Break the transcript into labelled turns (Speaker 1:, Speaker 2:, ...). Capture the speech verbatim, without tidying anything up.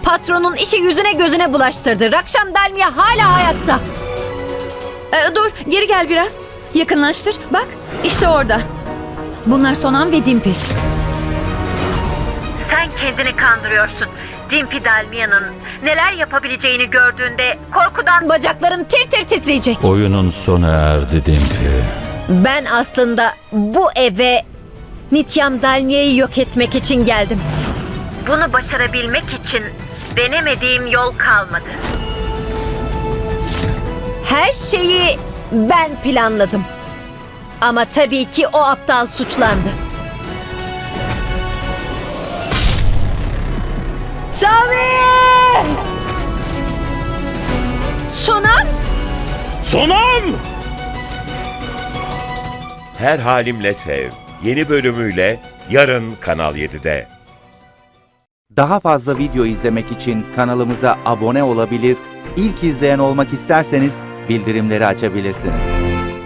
Speaker 1: Patronun işi yüzüne gözüne bulaştırdı. Rakşam Dalmia hala hayatta.
Speaker 2: Ee, dur, geri gel biraz. Yakınlaştır. Bak, işte orada. Bunlar Sonam ve Dimpi.
Speaker 1: Sen kendini kandırıyorsun. Dimpi Dalmia'nın neler yapabileceğini gördüğünde korkudan bacakların tir tir titreyecek.
Speaker 3: Oyunun sona erdi Dimpi.
Speaker 1: Ben aslında bu eve Nityam Dalmia'yı yok etmek için geldim. Bunu başarabilmek için denemediğim yol kalmadı. Her şeyi ben planladım. Ama tabii ki o aptal suçlandı. Sami! Sonam!
Speaker 4: Sonam! Her Halimle Sev yeni bölümüyle yarın Kanal yedide.
Speaker 5: Daha fazla video izlemek için kanalımıza abone olabilir, ilk izleyen olmak isterseniz bildirimleri açabilirsiniz.